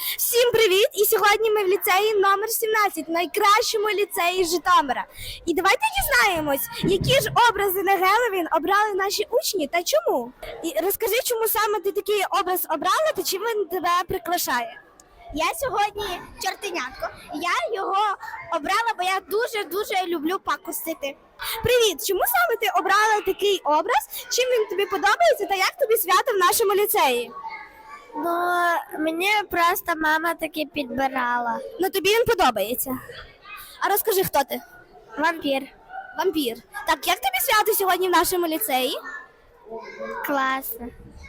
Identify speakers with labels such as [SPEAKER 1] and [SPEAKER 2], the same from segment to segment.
[SPEAKER 1] Всім привіт! І сьогодні ми в ліцеї номер 17, найкращому ліцеї Житомира. І давайте дізнаємось, які ж образи на Геловін обрали наші учні та чому. І розкажи, чому саме ти такий образ обрала та чим він тебе прикрашає?
[SPEAKER 2] Я сьогодні чортенятко. Я його обрала, бо я дуже люблю пакостити.
[SPEAKER 1] Привіт! Чому саме ти обрала такий образ? Чим він тобі подобається та як тобі свято в нашому ліцеї?
[SPEAKER 2] Ну, мені просто мама таки підбирала.
[SPEAKER 1] Ну тобі він подобається. А розкажи, хто ти?
[SPEAKER 2] Вампір.
[SPEAKER 1] Вампір. Так, як тобі свято сьогодні в нашому ліцеї?
[SPEAKER 2] Класно.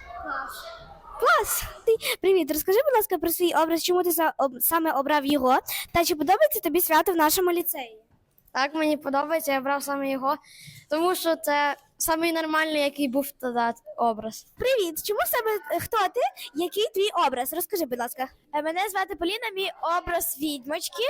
[SPEAKER 1] Клас! Привіт, розкажи, будь ласка, про свій образ, чому ти саме обрав його, та чи подобається тобі свято в нашому ліцеї?
[SPEAKER 3] Так, мені подобається, я брав саме його, тому що це самий нормальний, який був тоді образ.
[SPEAKER 1] Привіт, чому саме хто ти? Який твій образ? Розкажи, будь ласка.
[SPEAKER 3] Мене звати Поліна, мій образ відьмочки.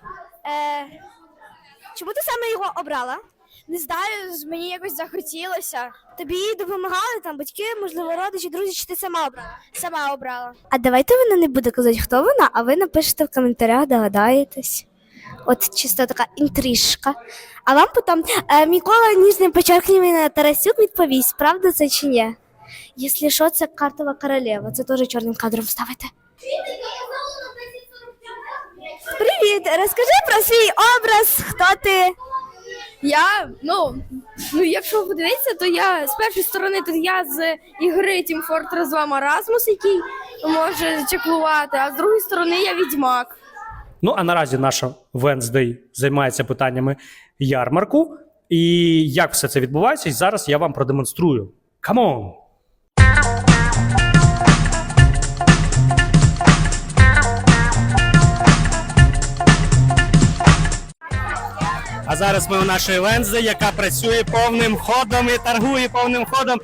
[SPEAKER 1] Чому ти саме його обрала?
[SPEAKER 3] Не знаю, мені якось захотілося.
[SPEAKER 1] Тобі допомагали там батьки, можливо, родичі, друзі, чи ти сама обрала?
[SPEAKER 3] Сама обрала.
[SPEAKER 1] А давайте вона не буде казати, хто вона, а ви напишете в коментарях, догадаєтесь. От чисто така інтрижка. А вам потім Микола ніжним почеркненням Тарасюк відповість, правда це чи ні? Якщо що, це картова королева, це теж чорним кадром ставите. Привіт, розкажи про свій образ, хто ти?
[SPEAKER 3] Я, якщо подивитися, то я з першої сторони, то я з ігри Team Fortress 2 Marasmus, який може чеклувати, а з другої сторони я відьмак.
[SPEAKER 4] Ну, а наразі наша Wednesday займається питаннями ярмарку. І як все це відбувається, зараз я вам продемонструю. Come on! А зараз ми у нашої Wednesday, яка працює повним ходом і торгує повним ходом.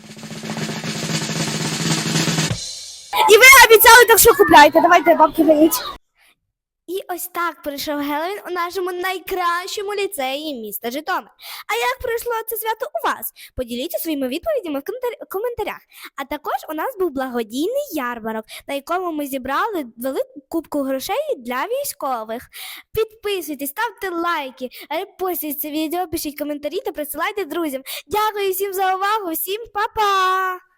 [SPEAKER 1] І ви обіцяли, так що купляйте, давайте бабки беріть. І ось так пройшов Геловін у нашому найкращому ліцеї міста Житомир. А як пройшло це свято у вас? Поділіться своїми відповідями в коментарях. А також у нас був благодійний ярмарок, на якому ми зібрали велику кубку грошей для військових. Підписуйтесь, ставте лайки, репостіть це відео, пишіть коментарі та присилайте друзям. Дякую всім за увагу, всім па-па!